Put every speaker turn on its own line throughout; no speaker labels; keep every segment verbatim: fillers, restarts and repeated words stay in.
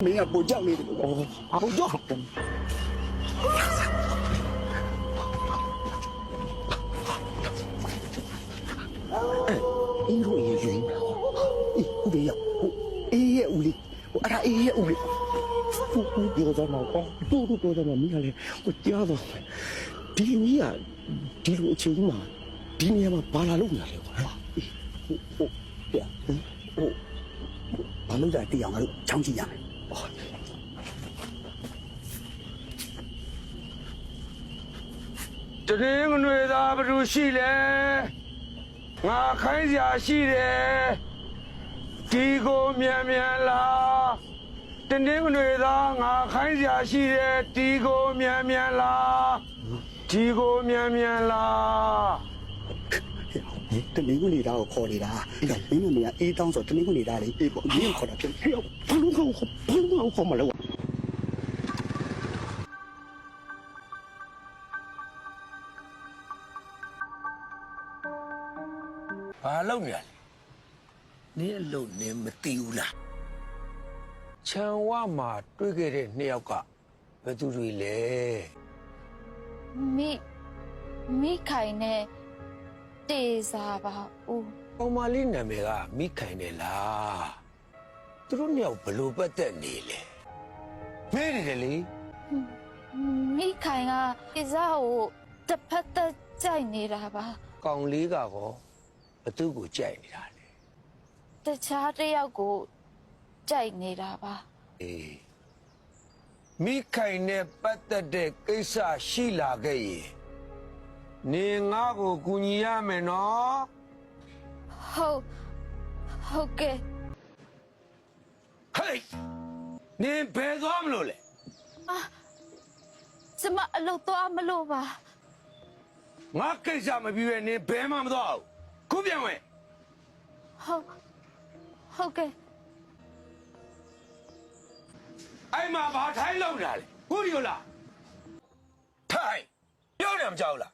မင်းကပူကြောက်နေတယ်လို့အော်ပူကြောက်အေးရိုးရေယူအေးဟုတ်တယ်ရောက်အေးရဲ့ဦးလေးဟိုအဲ့ဒါအေးရဲ့ဦးလေးဟိုဟိုဒီကတော့တော့တူတူတူတော့မိခလေးဟိုကြားတော့ဒီကြီးကဒီလိုအချိန်ကြီးမှာဒီနေရာမှာဘာလာလို့ညာလဲကွာအေးဟိုဟိုပြဟိုဘာလို့လဲတရားငါတို့ချောင်းကြည့်ရမယ်
တရင်ငွေသားဘယ်လိုရှိလဲငါခိုင်းစရာရှိတယ်ဒီကိုမြန်မြန်လာတရင်ငွေသားငါခိုင်းစရာရှိတယ်ဒီကိုမြန်မြန်လာဒီကိုမြန်မြန်လာ
တနင်္ဂနွေသားကိုခေါ်နေတာအဲ့တော့မင်းတို့ကအေးတောင်းဆိုတနင်္ဂနွေသားလေးအေးပေါ့မင်းခေါ်တာဖြစ်ဟဲ့ဘာလို့ခေါ်ဘာလို့ခေါ်မလဲ
ဘာလုပ်နေလဲနင်းအလုပ်နင်းမသိဘူးလားခြံဝမှာတွေ့ခဲ့တဲ့နှစ်ယောက်ကဘယ်သူတွေလဲ
မိမိခိုင်နဲ့တေစာပါဦး
အောင်မလေးနာမည်ကမိခိုင်တယ်လားသူတို့နှစ်ယောက်ဘလို့ပတ်သက်နေလဲမဲနေတယ်လေ
မိခိုင်ကတေစာကိုတစ်ဖက်သက်ကြိုက်နေတာပါ
ကောင်လေးကကောဘသူ့ကိုကြိုက်နေတာလေ
တခြားတစ်ယောက်ကိုကြိုက်နေတာပါ
အေးမိခိုင်နဲ့ပတ်သက်တဲ့ကိစ္စရှိလာခဲ့ရင်နေငါ့ကိုကူညီရမယ်နော်
ဟုတ်ဟုတ်ကဲ့
ဟေးနေဘယ်သွားမလို့လဲ
အာကျမအလုပ်သွားမလို့ပါ
ငါကိစ္စမပြီးရဲ့နေဘယ်မှမသွားဘူးခုပြန်ဝင်
ဟုတ်ဟုတ်ကဲ့
အဲ့မှာဘာထိုင်းလောက်တာလဲခုဒီလိုလားထိုင်းပြောတယ်မကြောက်လား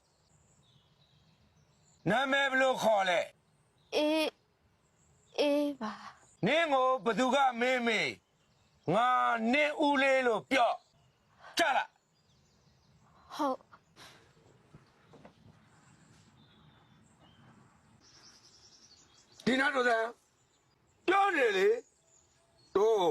နာမည်ဘယ်လိုခေါ်လဲ
အေးအေးပါ
နင်းကိုဘသူကမင်းမေးငါနင်းဦးလေးလို့ပြောကြလား
ဟုတ်
ဒီနာတော့တဲ့ပြောနေလေတို့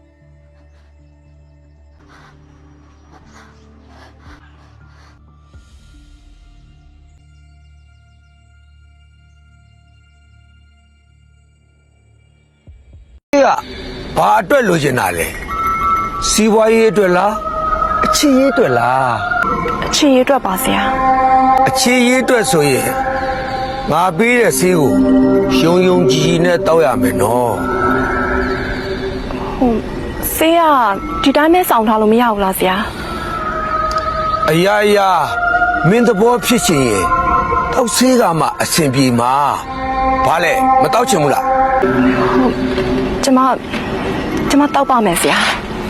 ကဘာအတွက်လိုချင်တာလဲစီးပွားရေးအတွက်လားအချစ်ရေးအတွက်လား
အချစ်ရေးအတွက်ပါဆရာ
အချစ်ရေးအတွက်ဆိုရင်ငါပေးတဲ့ဆေးကိုယုံယုံကြည်ကြည်နဲ့တောက်ရမယ်နော်
ဟုတ်ဆေးကဒီတိုင်းနဲ့စောင့်ထားလို့မရဘူးလားဆရာ
အရာရာမင်းသဘောဖြစ်ချင်ရင်တောက်ဆေးကမှအဆင်ပြေမှာဘာလဲမတောက်ချင်ဘူးလား
ဟုတ်ကျမကျမတောက်ပါမယ်ဆရာ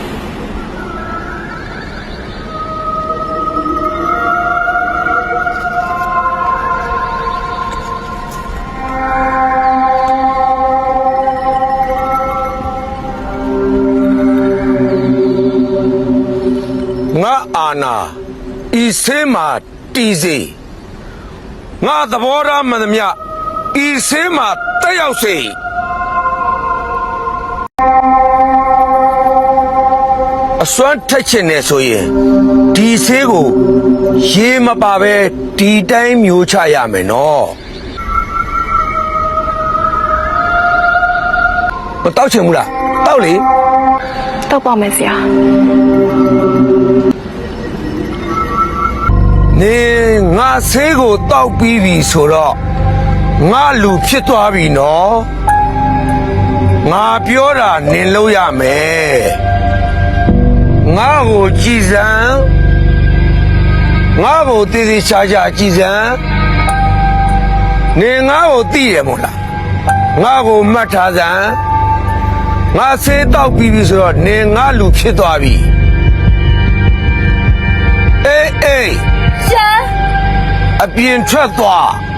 ငါအာနာဤဆေးမှာတီးစေငါသဘောထားမှန်သမျှဤဆေးမှာတက်ရောက်စေအစွမ်းထက်ချင်နေဆိုရင်ဒီဆေးကိုရေမပါပဲဒီတိုင်းမျိုးချရမယ်နော်မတောက်ချင်ဘူးလားတောက်လေ
တောက်ပါမယ်ဆရာ
နေငါဆေးကိုတောက်ပြီးပြီဆိုတော့ငါလူဖြစ်သွားပြီနော်ငါပြောတာနင်လို့ရမယ်ငါ့ကိုကြည်စံငါ့ကိုတည်တည်ချာချာကြည်စံနေငါ့ကိုသိရမို့လားငါ့ကိုမှတ်ထားစံငါဆေးတောက်ပြီးပြီဆိုတော့နေငါလူဖြစ်သွားပြီအေးအေး
ရှင်
အပြင်ထွက်သွား